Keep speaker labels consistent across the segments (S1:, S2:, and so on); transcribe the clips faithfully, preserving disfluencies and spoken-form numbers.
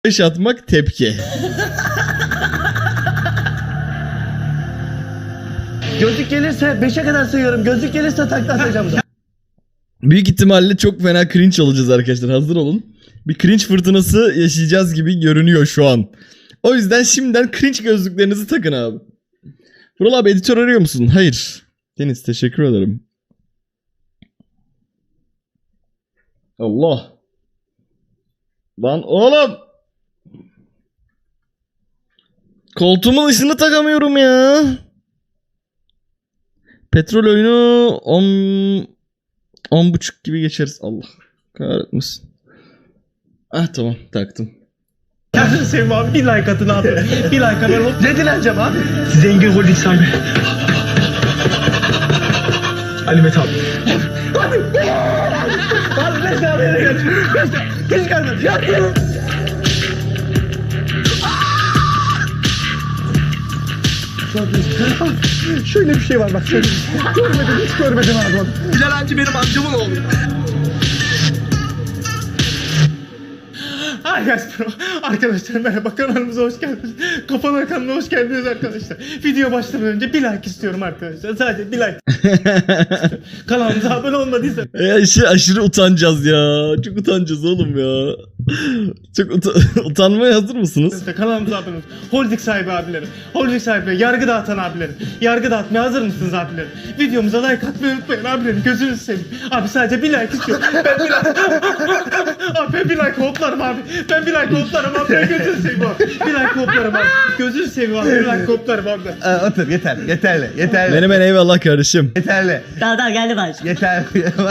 S1: beş atmak tepki.
S2: Gözlük gelirse beşe kadar sayıyorum. Gözlük gelirse takla atacağım da.
S1: Büyük ihtimalle çok fena cringe olacağız arkadaşlar. Hazır olun. Bir cringe fırtınası yaşayacağız gibi görünüyor şu an. O yüzden şimdiden cringe gözlüklerinizi takın abi. Vural abi editör arıyor musun? Hayır. Deniz teşekkür ederim. Allah. Lan oğlum. Koltuğumun ışığını takamıyorum ya. Petrol oyunu on on buçuk gibi geçeriz. Allah kahretmesin. Ah tamam taktım.
S2: Kendini sevme abi. Bir like atın abi. Bir like atın. Ne dileneceğim abi? Zengin Holding sahibi. Ali Mete abi. Hadi. Abi beş tane yere geç. Beş tane. Hiç gelmedi. Ya. Şöyle bir şey var bak. Şöyle. Görmedim hiç görmedim abi. Bilal Hancı benim amcamın oğlu. Hi guys bro. Arkadaşlar merhaba, kanalımıza hoş geldiniz. Kafana kanalına hoş geldiniz arkadaşlar. Video başlamadan önce bir like istiyorum arkadaşlar. Sadece bir like. Kanalımıza abone olmadıysa.
S1: Ya işi aşırı utanacağız ya. Çok utanacağız oğlum ya. Çok uta utanmaya hazır mısınız?
S2: Kanalımıza abone olun. Holding sahibi abilerim. Holding sahibi, yargı dağıtan abilerim. Yargı dağıtmaya hazır mısınız abilerim? Videomuza like atmayı unutmayın abilerim. Gözünüzü seveyim. Abi sadece bir like istiyorum. Ben bir like. Abi ben bir like hoplarım abi. Ben bir like hoplarım abi. Ben gözünü seveyim abi. Bir like hoplarım abi. Gözünü seveyim abi. Bir like hoplarım abi.
S3: Aa, otur yeter yeterli yeterli.
S1: Benim en eyvallah kardeşim.
S3: Yeterli.
S4: Daha daha geldi baş.
S3: Yeterli.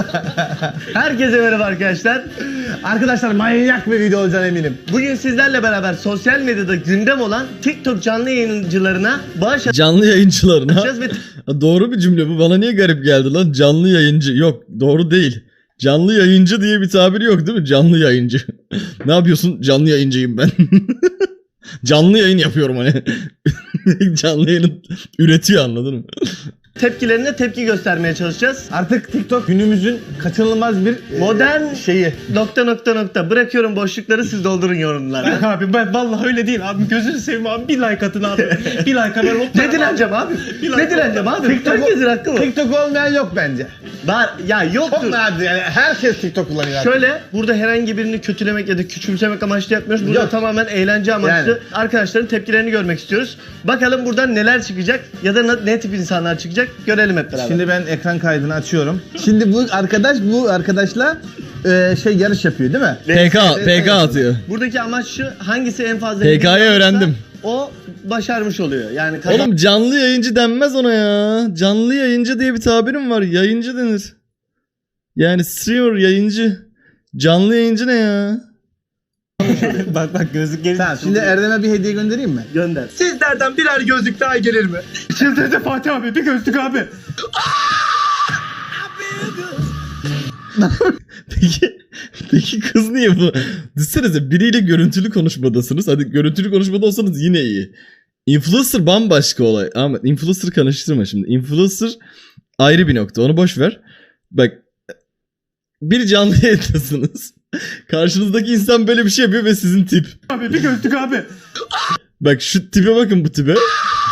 S3: Herkese merhaba arkadaşlar. Arkadaşlar manyak bir video olacağına eminim. Bugün sizlerle beraber sosyal medyada gündem olan TikTok canlı yayıncılarına bağış
S1: Canlı yayıncılarına.
S3: atacağız ve
S1: Doğru bir cümle bu. Bana niye garip geldi lan? Canlı yayıncı. Yok doğru değil. Canlı yayıncı diye bir tabir yok değil mi? Canlı yayıncı. Ne yapıyorsun? Canlı yayıncıyım ben. Canlı yayın yapıyorum hani. Canlı yayın üretiyor, anladın mı?
S3: tepkilerine tepki göstermeye çalışacağız. Artık TikTok günümüzün kaçınılmaz bir modern şeyi. Nokta nokta nokta. Bırakıyorum boşlukları, siz doldurun yorumlara.
S2: Yok abi ben vallahi öyle değil abi. Gözünü seveyim abi. Bir like atın abi. Bir like haber hoplarım.
S3: Ne dileneceğim abi? Ne dileneceğim abi?
S2: TikTok-
S3: Herkesin hakkı bu.
S5: TikTok olmayan yok bence.
S3: Var ya,
S5: Çok
S3: yoktur.
S5: nadir yani, herkes TikTok kullanıyor artık.
S3: Şöyle, burada herhangi birini kötülemek ya da küçümsemek amaçlı yapmıyoruz. Burada
S5: Yok.
S3: tamamen eğlence amaçlı.
S5: Yani.
S3: Arkadaşların tepkilerini görmek istiyoruz. Bakalım buradan neler çıkacak ya da ne- ne tip insanlar çıkacak, görelim hep beraber.
S5: Şimdi ben ekran kaydını açıyorum. Şimdi bu arkadaş bu arkadaşla e, şey yarış yapıyor değil mi?
S1: P K, P K atıyor.
S3: Buradaki amaç şu: hangisi en fazla
S1: P K'yı
S3: hediye alırsa
S1: öğrendim.
S3: o başarmış oluyor. Yani kazan-
S1: Oğlum canlı yayıncı denmez ona ya. Canlı yayıncı diye bir tabirim var. Yayıncı denir. Yani streamer yayıncı. Canlı yayıncı ne ya?
S2: Bak bak gözlük gelince.
S5: Tamam, şimdi Erdem'e bir hediye göndereyim mi?
S3: gönder.
S2: Sizlerden birer gözlük daha gelir mi? Çıldırdı Fatih abi, bir gözlük abi.
S1: Peki, peki kız niye bu? Düşünsenize biriyle görüntülü konuşmadasınız. Hadi görüntülü konuşmada olsanız yine iyi. Influencer bambaşka olay. Ama influencer karıştırma şimdi. Influencer ayrı bir nokta. Onu boş ver. Bak, bir canlı yayındasınız. Karşınızdaki insan böyle bir şey yapıyor ve sizin tip.
S2: Abi bir gözlük abi.
S1: Bak şu tipe bakın, bu tipe.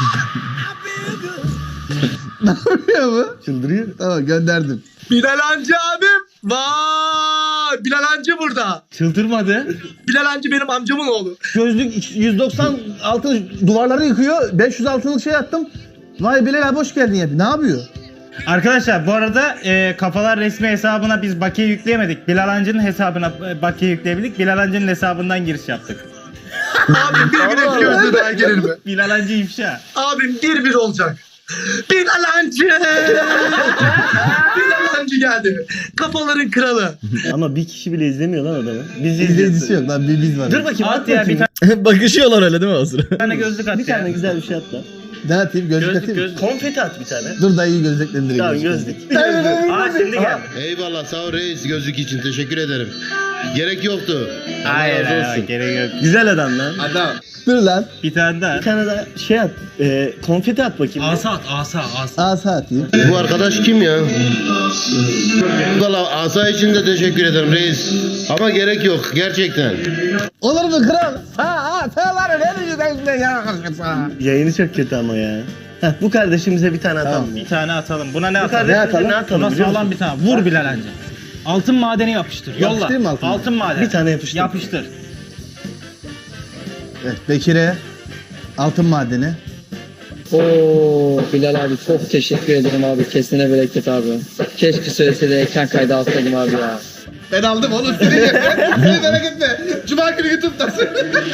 S5: Ne yapıyor bu?
S3: Çıldırıyor.
S5: Tamam, gönderdim.
S6: Bilal Hancı abim. Vay! Bilal Hancı burada.
S3: Çıldırmadı.
S6: Bilal Hancı benim amcamın oğlu.
S5: Gözlük yüz doksan altın duvarları yıkıyor. beş yüz altınlık şey attım. Vay Bilal abi hoş geldin ya. Ne yapıyor?
S2: Arkadaşlar bu arada e, Kafalar resmi hesabına biz bakiye yükleyemedik. Bilal Hancı'nın hesabına e, bakiye yükleyebildik. Bilal Hancı'nın hesabından giriş yaptık.
S6: Abim bir güneş gözlüğü daha gelir mi?
S2: Bilal Hancı ifşa.
S6: Abim bir bir olacak. Bilal Hancı. Bilal Hancı geldi. Kafaların kralı.
S3: Ama bir kişi bile izlemiyor lan adamı. Biz
S5: İzleyicisi yok lan, bir biz var.
S3: Dur bakayım,
S2: At
S3: at
S2: ya
S3: bakayım.
S2: bir
S1: Bakışıyorlar öyle değil mi o sıra?
S2: tane gözlük at
S3: Bir
S2: ya.
S3: tane güzel bir şey at da.
S5: Ne atayım? Gözlük,
S2: Gözlük
S5: atayım mı?
S2: gözlük.
S3: Konfeti at bir tane.
S5: Dur dayıyı gözlüklendireyim.
S3: Tamam gözlük. Aa şimdi geldi.
S4: Eyvallah sağ ol reis gözlük için teşekkür ederim. Gerek yoktu. Allah
S2: Hayır
S4: razı
S2: hayır
S4: olsun.
S2: gerek yok.
S3: Güzel adam lan.
S6: Adam.
S5: Dur lan.
S2: Bir tane daha.
S3: Bir tane daha şey at. E, konfeti at bakayım.
S2: Asa at asa asa.
S5: Asa atayım.
S4: Bu arkadaş kim ya? Valla asa için de teşekkür ederim reis. Ama gerek yok gerçekten.
S5: Olur mu kral? Ha ha sağları ne diyeceksin ya?
S3: Yayını çok kötü ama ya. Heh, bu kardeşimize bir tane atalım.
S5: Tamam.
S2: Bir tane atalım. Buna ne
S3: Bu
S2: atalım?
S3: kardeşimize
S5: atalım?
S3: ne atalım?
S2: Buna
S3: biliyor musun?
S2: sağlam bir tane. Vur Bilal anca. Altın madeni yapıştır. Yolla.
S5: Yapıştırayım mı altın
S2: altın madeni?
S3: Bir tane yapıştır.
S2: Yapıştır.
S5: Evet, Bekir'e altın madeni.
S7: Oo Bilal abi çok teşekkür ederim abi. Kesine bereket abi. Keşke söylese de ekran kaydı alsaydım abi ya.
S6: Ben aldım oğlum seni ye. Seni merak etme. Cuma günü YouTube'dasın.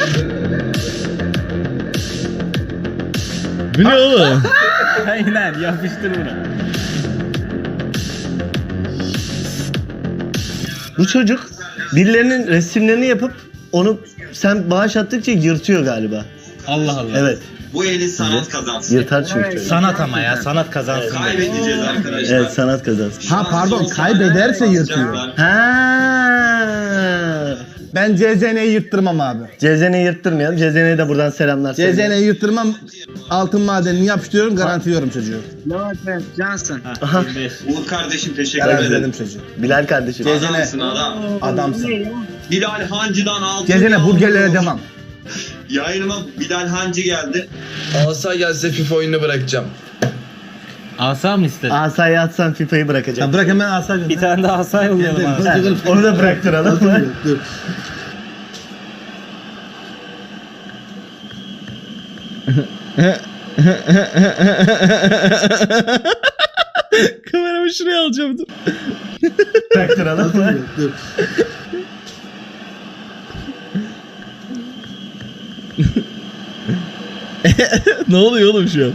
S1: Bu ne oğlum?
S2: Aynen yapıştır bunu.
S3: Bu çocuk birilerinin resimlerini yapıp onu sen bağış attıkça yırtıyor galiba.
S2: Allah Allah.
S3: Evet.
S8: Bu eli sanat kazansın.
S3: Yırtar çünkü çocuk.
S2: Sanat ama ya sanat kazansın.
S8: Kaybedeceğiz arkadaşlar.
S3: Evet sanat kazansın.
S5: Ha pardon kaybederse yırtıyor.
S3: Ha.
S5: Ben C Z N'yi yırttırmam abi.
S3: C Z N'yi yırttırmayalım. C Z N'ye de buradan selamlar.
S5: C Z N'yi yırttırmam. Altın madenini yapıştırıyorum garantiliyorum çocuğu.
S3: Aha.
S2: yirmi beş.
S8: Uğur kardeşim teşekkür ederim.
S5: Garantiledim çocuğu.
S3: Bilal kardeşim.
S5: C Z N
S8: Adamsın adam.
S5: adamsın.
S8: Bilal Hancı'dan altın.
S5: C Z N
S8: yağmur.
S5: burgerlere devam.
S8: Yayınıma Bilal Hancı geldi.
S6: Asa gelse FIFA oyununu bırakacağım.
S2: Asa mı istedin?
S3: Asayı atsan FIFA'yı bırakacak.
S5: Ya bırak hemen asa.
S2: Bir tane daha asa yollayalım abi.
S3: Ha, onu da bıraktıralım.
S5: Dur.
S1: Kameramı şuraya alacağım dur.
S3: Bıraktıralım.
S5: Dur.
S1: Ne oluyor oğlum şu an?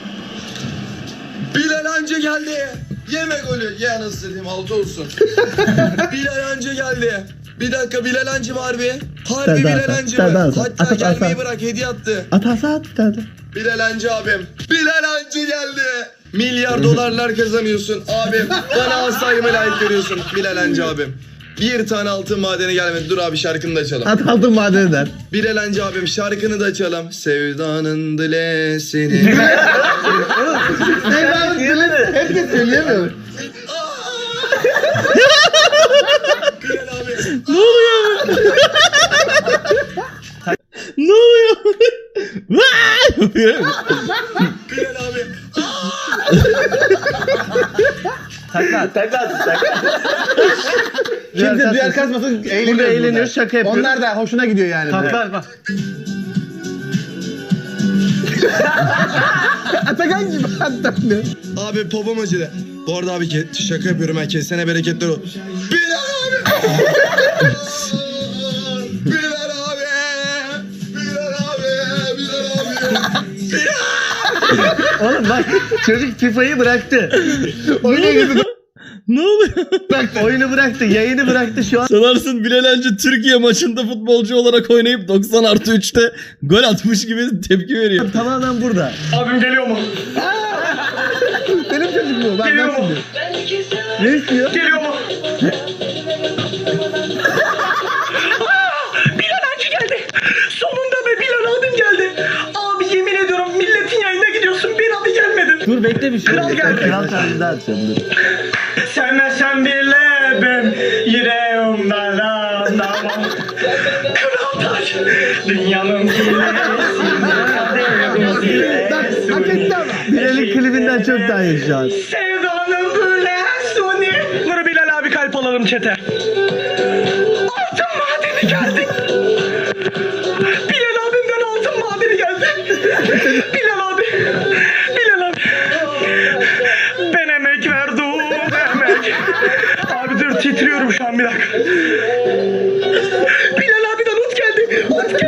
S6: Bilal Hancı geldi. Yeme golü. Ye anasını satayım altı olsun. Bilal Hancı geldi. Bir dakika Bilal Hancı var bir. Harbi
S5: Sen de
S6: Bilal
S5: at,
S6: Hancı
S5: sen de
S6: mı?
S5: at.
S6: Hatta
S5: At, at,
S6: gelmeyi
S5: at.
S6: bırak hediye attı.
S5: At asa at bir tane.
S6: Bilal Hancı abim. Bilal Hancı geldi. Milyar dolarlar kazanıyorsun abim. Bana asayımı layık görüyorsun Bilal Hancı abim. Bir tane altın madeni gelmedi. Dur abi şarkını da açalım.
S5: At altın madeninden.
S6: Bilal Hancı abim şarkını da açalım. Sevdanın dilesini.
S5: Sevdanın dilini herkes söyleyemiyor.
S6: Bilal abi.
S1: Ne oluyor? Ne oluyor? Vay! Yapıyor.
S6: Bilal abi.
S3: Takla takla takla.
S5: Kimse duyar kasmasın
S3: Burada
S5: eğleniyoruz.
S3: eğleniyoruz şaka yapıyoruz.
S5: Onlar da hoşuna gidiyor yani.
S2: Takla bak.
S5: Atakan gibi atlanıyor.
S6: Abi popom acıdı. Bu arada abi ke- şaka yapıyorum ben. Kesene bereketler o. Bilal abi. Bilal abi. Bilal abi. Bilal abi.
S3: Oğlum bak çocuk FIFA'yı bıraktı.
S1: Ne oluyor?
S3: Bıraktı. Oyunu bıraktı. Yayını bıraktı şu an.
S1: Sanarsın Bilal Hancı Türkiye maçında futbolcu olarak oynayıp doksan artı üçte gol atmış gibi tepki veriyor.
S3: Tamamen burada.
S2: Abim geliyor mu?
S5: Benim çocuk bu. Ben
S2: Geliyor
S5: nasıl
S2: mu?
S5: diyor?
S3: Ne istiyor?
S2: Geliyor mu? Bilal Hancı geldi. Sonunda be Bilal abim geldi. Abi yemin ediyorum milletin yayına gidiyorsun bir abi gelmedin. Dur bekle bir şey.
S3: Kral geldi. Kral tarzında atacağım dur.
S2: Sevmesen bile ben yüreğimden anlamam. Kral taş dünyanın
S5: Bak hak etti ama.
S3: Bilal'in klibinden çok daha iyi şu an.
S2: Sevdanın böyle suni. Dur Bilal abi kalp alalım çete. Altın madeni geldi. Bilal abimden altın madeni geldi. Bilal abi. Bilal abi. Ben emek verdim emek. Abi dur titriyorum şu an bir dakika. Bilal abiden ot geldi. Ot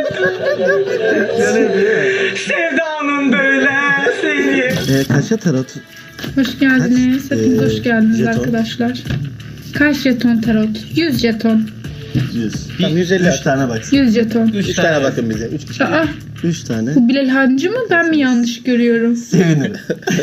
S2: geldi. Sevdanın böyle seni.
S3: Ee, kaça tarot?
S9: Hoş geldiniz.
S3: Kaç,
S9: Hepiniz
S3: e,
S9: hoş geldiniz
S3: jeton?
S9: arkadaşlar. Kaç jeton tarot? yüz jeton.
S5: yüz. Tamam yüz elli. üç tane bak.
S9: yüz jeton.
S5: üç tane bakın bize. üç kişi.
S9: Aa,
S5: üç tane.
S9: bu Bilal Hancı mı? Ben mi yanlış görüyorum?
S5: Sevinirim.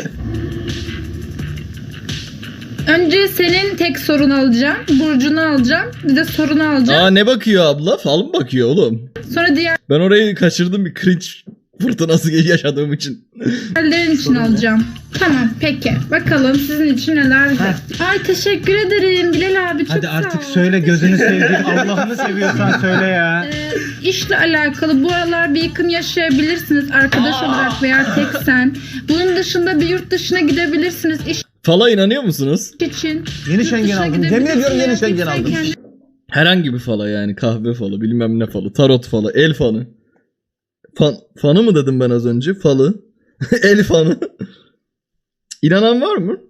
S9: Önce senin tek sorunu alacağım. Burcunu alacağım. Bir de sorunu alacağım.
S1: Aa ne bakıyor abla? Fal mı bakıyor oğlum?
S9: Sonra diğer
S1: Ben orayı kaçırdım bir cringe fırtınası yaşadığım için.
S9: Diğerlerin için alacağım. Tamam peki. Bakalım sizin için neler var. Ay teşekkür ederim Bilal abi, çok
S2: Hadi
S9: sağ
S2: artık
S9: ol.
S2: söyle, gözünü seveyim. Allah'ını seviyorsan söyle ya.
S9: Ee, işle alakalı bu aralar bir yıkım yaşayabilirsiniz arkadaş olarak veya tek sen. Bunun dışında bir yurt dışına gidebilirsiniz iş
S1: Fala inanıyor musunuz?
S9: için.
S5: Yeni
S9: Yurt
S5: Schengen
S9: dışına
S5: aldım.
S9: gidebilirsiniz
S5: Yemin ediyorum yeni
S9: veya
S5: Schengen
S9: tek sen
S5: aldım.
S9: kendi-
S1: Herhangi bir fala yani. Kahve falı, bilmem ne falı, tarot falı, el fanı. Fan, fanı mı dedim ben az önce? Falı. El fanı. İnanan var mı?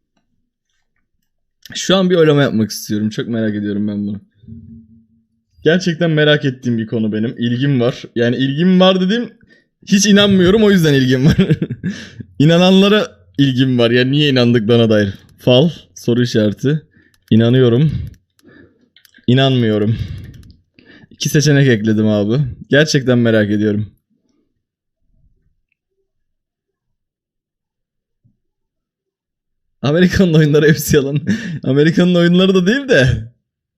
S1: Şu an bir oylama yapmak istiyorum. Çok merak ediyorum ben bunu. Gerçekten merak ettiğim bir konu benim. İlgim var. Yani ilgim var dediğim hiç inanmıyorum, o yüzden ilgim var. İnananlara ilgim var. Yani niye inandıklarına dair. Fal, soru işareti. İnanıyorum. İnanmıyorum. İki seçenek ekledim abi. Gerçekten merak ediyorum. Amerikan'ın oyunları hepsi yalan. Amerikan'ın oyunları da değil de.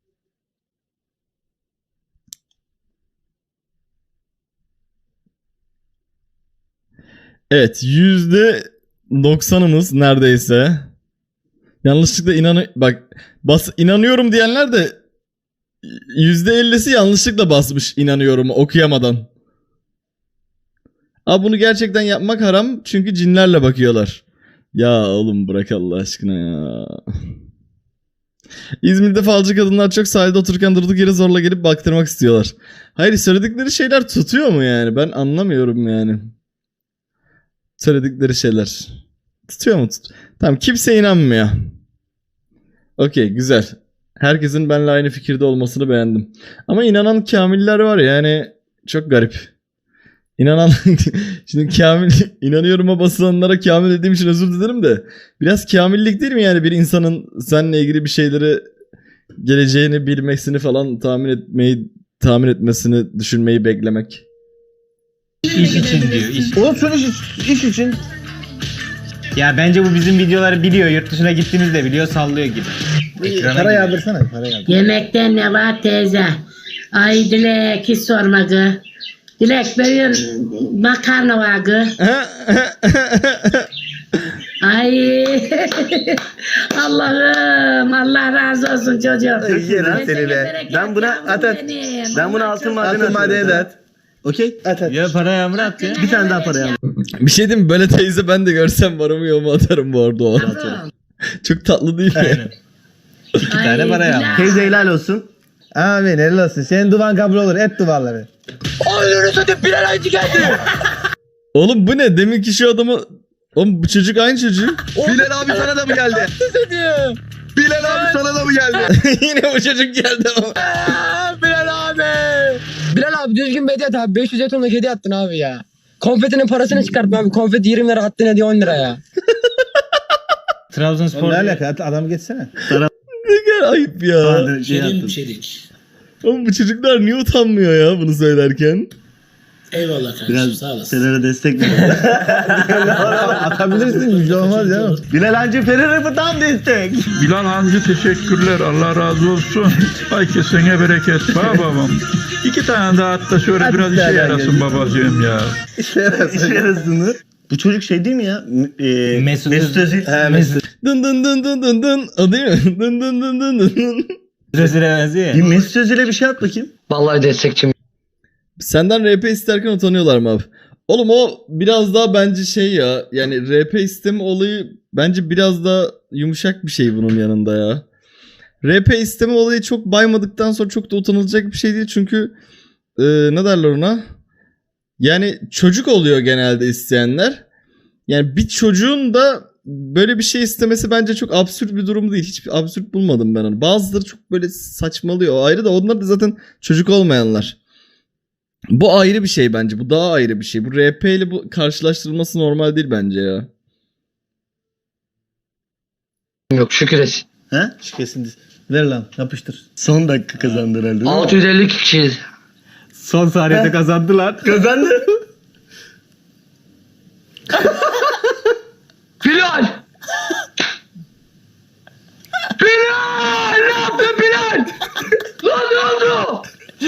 S1: Evet, yüzde doksanımız neredeyse. Yanlışlıkla inan bak bas inanıyorum diyenler de yüzde ellisi yanlışlıkla basmış inanıyorum okuyamadan. Abi bunu gerçekten yapmak haram çünkü cinlerle bakıyorlar. Ya oğlum bırak Allah aşkına ya. İzmir'de falcı kadınlar çok sahilde otururken durduk yere zorla gelip baktırmak istiyorlar. Hayır, söyledikleri şeyler tutuyor mu yani? Ben anlamıyorum yani. Söyledikleri şeyler. Tutuyor mu? Tut tamam, kimse inanmıyor. Okey, güzel. Herkesin benimle aynı fikirde olmasını beğendim. Ama inanan kamiller var yani, çok garip. İnanan şimdi kamil inanıyorum'a basılanlara kamil dediğim için özür dilerim de biraz kamillik değil mi yani bir insanın seninle ilgili bir şeyleri, geleceğini bilmesini falan tahmin etmeyi tahmin etmesini, düşünmeyi beklemek.
S2: İş için diyor, iş.
S5: Olsun iş, iş için.
S2: Ya bence bu bizim videoları biliyor. Yurt dışına gittiğimizde biliyor, sallıyor gibi. Ekrana
S5: Para
S2: giriyor.
S5: yağdırsana, para yağdır.
S10: Yemekten ne var teyze? Ay Dilek hiç sorma kız. Dilek böyle makarna var kız. Ay Allah'ım, Allah razı olsun çocuğum.
S3: Çok iyi lan seni be.
S10: Bereket
S3: Ben buna
S10: yavrum
S3: at at.
S10: benim.
S3: Ben buna
S10: Allah
S3: altın
S10: çok-
S3: madeni
S5: Altın madeni de
S3: atıyorum.
S5: at. Okey? At at.
S2: Ya para yağmur at ya.
S3: Bir tane daha para yağmur.
S1: Bir şey diyeyim mi? Böyle teyze ben de görsem varımı yoğumu atarım bu arada o an.
S10: Yavrum.
S1: Çok tatlı değil mi?
S2: Aynen. İki
S10: Ay,
S2: tane para yağmur.
S10: Bilal.
S3: Teyze helal olsun.
S5: Amin, helal olsun. Senin duvan kabul olur. Et duvarları.
S1: Oğlum bu ne? Deminki şu adamı... Oğlum bu çocuk aynı çocuk.
S6: Bilal abi sana da mı geldi? Bilal abi sana da mı geldi?
S1: Yine bu çocuk geldi ama.
S7: Bilal abi. Bilal abi düzgün bir hediye at abi. beş yüz jetonluk hediye attın abi ya. Konfetinin parasını çıkartma abi. Konfeti yirmi lira attın, hediye on lira ya.
S2: Trabzonspor.
S5: Ne alaka? At- Adam geçsene.
S1: Ne kadar ayıp ya.
S3: Hadi şey attım.
S1: Oğlum bu çocuklar niye utanmıyor ya bunu söylerken?
S3: Biraz Fener'e destek ver.
S5: Atabilirsin, bir şey olmaz ya.
S3: Bilal Hancı Fener'e tam destek.
S11: Bilal Hancı teşekkürler. Allah razı olsun. Ay kesene bereket. Baba babam. İki tane daha at da şöyle
S5: Hadi
S11: biraz işe
S5: beraber
S11: yarasın
S5: gelin.
S11: babacığım ya.
S3: İşe yarasını. Bu çocuk şey değil mi ya? M- E,
S2: Mesut
S3: Mesut Özil.
S2: Özil.
S3: He Mesut.
S1: Dın dın dın dın dın dın. O değil mi? Dın dın dın dın dın dın.
S2: Özil'e benziyor
S3: Bir
S2: ya.
S3: Mesut Özil'e bir şey at bakayım.
S7: Vallahi destekçim.
S1: Senden R P isterken utanıyorlar mı abi? Oğlum o biraz daha bence şey ya. Yani R P isteme olayı bence biraz daha yumuşak bir şey bunun yanında ya. R P isteme olayı çok baymadıktan sonra çok da utanılacak bir şey değil. Çünkü e, ne derler ona? Yani çocuk oluyor genelde isteyenler. Yani bir çocuğun da böyle bir şey istemesi bence çok absürt bir durum değil. Hiç absürt bulmadım ben onu. Bazıları çok böyle saçmalıyor. O ayrı da onlar da zaten çocuk olmayanlar. Bu ayrı bir şey bence. Bu daha ayrı bir şey. Bu R P ile bu karşılaştırılması normal değil bence ya.
S7: Yok şükür et.
S3: He?
S5: Kesin. Ver lan yapıştır.
S3: Son dakika kazandı herhalde değil mi?
S7: altı yüz elli kişiyiz.
S2: Son saniyede kazandılar.
S3: Kazandı.
S7: Bilal! Bilal! Ne yaptın Bilal? Lan ne oldu?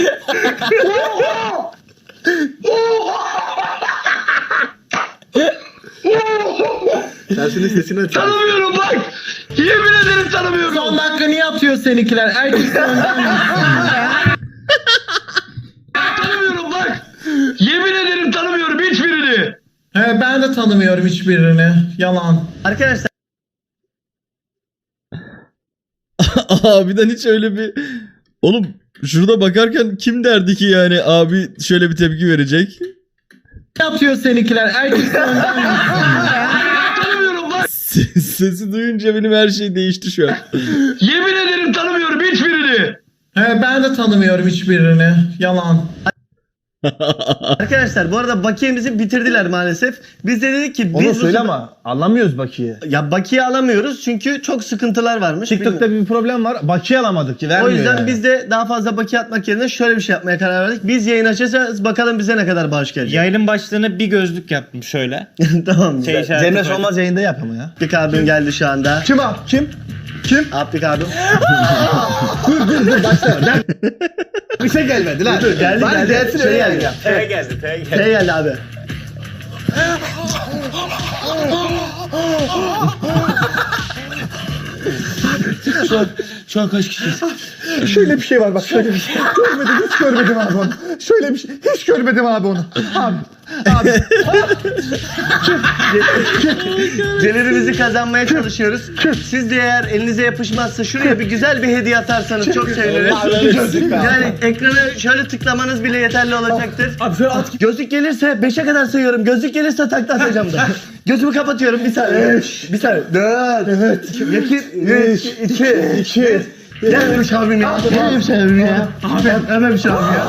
S7: Oha! Oha!
S5: Tersinin sesini aç.
S7: Tanımıyorum bak! Yemin ederim tanımıyorum.
S5: Son dakika niye atıyor seninkiler? Erkek
S7: Tanımıyorum bak! Yemin ederim tanımıyorum hiçbirini.
S5: He ben de tanımıyorum hiçbirini. Yalan.
S3: Arkadaşlar
S1: Abiden hiç öyle bir... Oğlum şurada bakarken kim derdi ki yani abi şöyle bir tepki verecek?
S5: Ne yapıyor seninkiler? Erkek
S7: Tanımıyorum bak!
S1: Ses- Sesi duyunca benim her şey değişti şu an.
S7: Yemin ederim tanımıyorum hiçbirini.
S5: He ben de tanımıyorum hiçbirini. Yalan.
S3: Arkadaşlar bu arada bakiyemizi bitirdiler maalesef. Biz de dedik ki
S5: Onu
S3: biz
S5: söyle
S3: bu-
S5: ama anlamıyoruz Baki'yi.
S3: Ya bakiye alamıyoruz çünkü çok sıkıntılar varmış.
S5: TikTok'ta bir problem var. Baki'yi alamadık ki.
S3: O
S5: Vermiyor
S3: yüzden
S5: yani.
S3: biz de daha fazla bakiye atmak yerine şöyle bir şey yapmaya karar verdik. Biz yayın açacağız bakalım bize ne kadar bağış gelecek.
S2: Yayının başlığına bir gözlük yaptım şöyle.
S3: Tamam.
S2: Şey
S3: Şey,
S2: işareti
S5: Cemre
S2: koydum.
S5: Solmaz yayında yap ama ya.
S3: Abdik abim geldi şu anda.
S5: Kim abi? Kim? Kim?
S3: Abdik abim.
S5: dur dur dur başla. Bir şey gelmedi lan.
S3: Dur, geldi,
S5: Bari
S3: geldi.
S5: gelsin
S3: Şey
S5: öyle
S3: geldi.
S5: gel.
S2: T'ye geldi, T'ye geldi.
S3: Şey geldi abi.
S5: Şu an, şu an kaç kişiyiz? Şöyle bir şey var bak şöyle bir şey. Görmedim hiç görmedim abi onu. Şöyle bir şey hiç görmedim abi onu. Abi. Abi.
S3: Celerimizi kazanmaya çalışıyoruz. Siz de eğer elinize yapışmazsa şuraya bir güzel bir hediye atarsanız çok seviniriz. Yani ekrana şöyle tıklamanız bile yeterli olacaktır.
S5: Abi şöyle at.
S3: Gözlük gelirse beşe kadar sayıyorum. Gözlük gelirse takla atacağım da. Gözümü kapatıyorum bir saniye. Bir saniye. Dört. Evet. İki. Üç. İki. İki. Gelmemiş abim ya. Gelmemiş abim ya. Abi gelmemiş abim ya.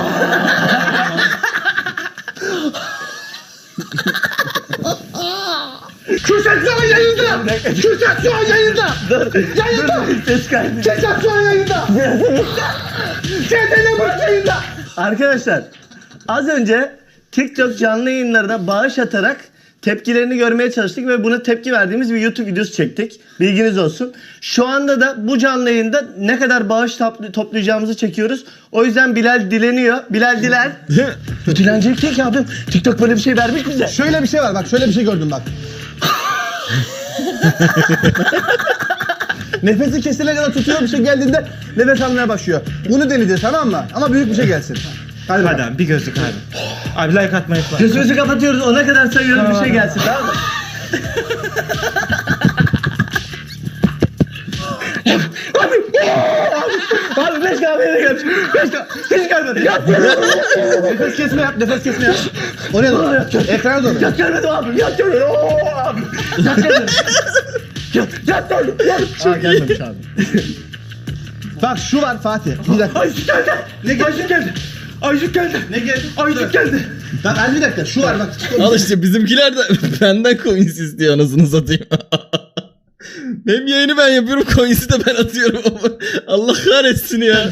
S5: Kürşat şu an yayında. Kürşat şu an yayında. Yayında.
S3: Ses kaydı.
S5: Kürşat şu an yayında. C T L Burç yayında.
S3: Arkadaşlar az önce TikTok canlı yayınlarına bağış atarak tepkilerini görmeye çalıştık ve buna tepki verdiğimiz bir YouTube videosu çektik. Bilginiz olsun. Şu anda da bu canlı yayında ne kadar bağış topl- toplayacağımızı çekiyoruz. O yüzden Bilal dileniyor. Bilal diler. Bu dilenecek değil ki abim. TikTok böyle bir şey vermiş bize.
S5: Şöyle bir şey var bak şöyle bir şey gördüm bak. Nefesi kesilene kadar tutuyor bir şey geldiğinde nefes almaya başlıyor. Bunu deneyeceğiz tamam mı? Ama büyük bir şey gelsin. Hadi,
S2: Hadi
S5: bakalım.
S2: abi bir gözlük abi. Abi like atmayı unutma.
S3: Gözümüzü kapatıyoruz. Ona kadar sayıyorum bir şey gelsin tamam mı? Abi beş kahveye gelmiş. Beş kahve. Hiç gelmedi. Yat.
S5: Nefes kesme yap, nefes kesme yap. O ne lan? Ekrana doğru.
S3: Yat gelmedi abi. Yat gelmedi. Oo abi. Yat gelmedi. Yat, yat geldi. Yat.
S5: Aa gelmemiş abi. Bak şu var Fatih. Bir dakika.
S3: Ayşık geldi.
S5: Ne geldi?
S3: Ayşık geldi. Ayşık geldi.
S5: Ne geldi?
S3: Ayşık geldi.
S5: Bak hadi bir dakika şu var bak.
S1: Al işte bizimkiler de benden coins istiyor anasını satayım. Hem yayını ben yapıyorum coins'i de ben atıyorum ama Allah kahretsin ya.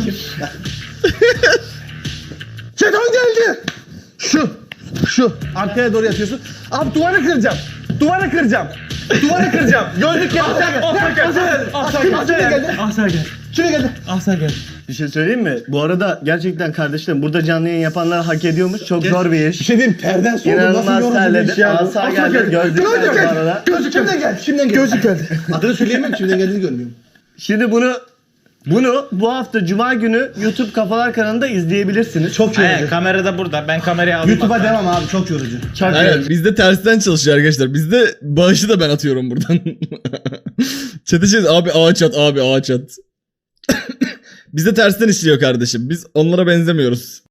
S5: Jeton geldi. Şu. Şu. Arkaya doğru yatıyorsun. Abi duvarı kıracağım. Duvarı kıracağım. Duvarı kıracağım. Gözlük geldi.
S2: Ahsa geldi. Ahsa geldi. Ahsa geldi. Ahsa geldi.
S5: Kime geldi?
S2: Ahsa geldi.
S3: Bir şey söyleyeyim mi? Bu arada gerçekten kardeşlerim burada canlı yayın yapanlar hak ediyormuş. Çok zor bir iş.
S5: Bir şey diyeyim terden soğudum.
S3: İnanılmaz terledim. Asa geldi. Gözlük geldi bu arada.
S5: Gözlük kimden geldi? Kimden geldi? Gözlük geldi. Adını söyleyemem kimden geldiğini görmüyorum.
S3: Şimdi bunu bunu bu hafta Cuma günü YouTube Kafalar kanalında izleyebilirsiniz.
S5: Çok yorucu.
S2: Aynen kamera da burada. Ben kamerayı alayım.
S5: YouTube'a devam abi çok yorucu.
S3: Çok
S1: Aynen
S3: yorucu.
S1: bizde tersten çalışıyor arkadaşlar. Bizde bağışı da ben atıyorum buradan. Çete şey abi ağaç at abi ağaç at. Bizde tersten işliyor kardeşim. Biz onlara benzemiyoruz.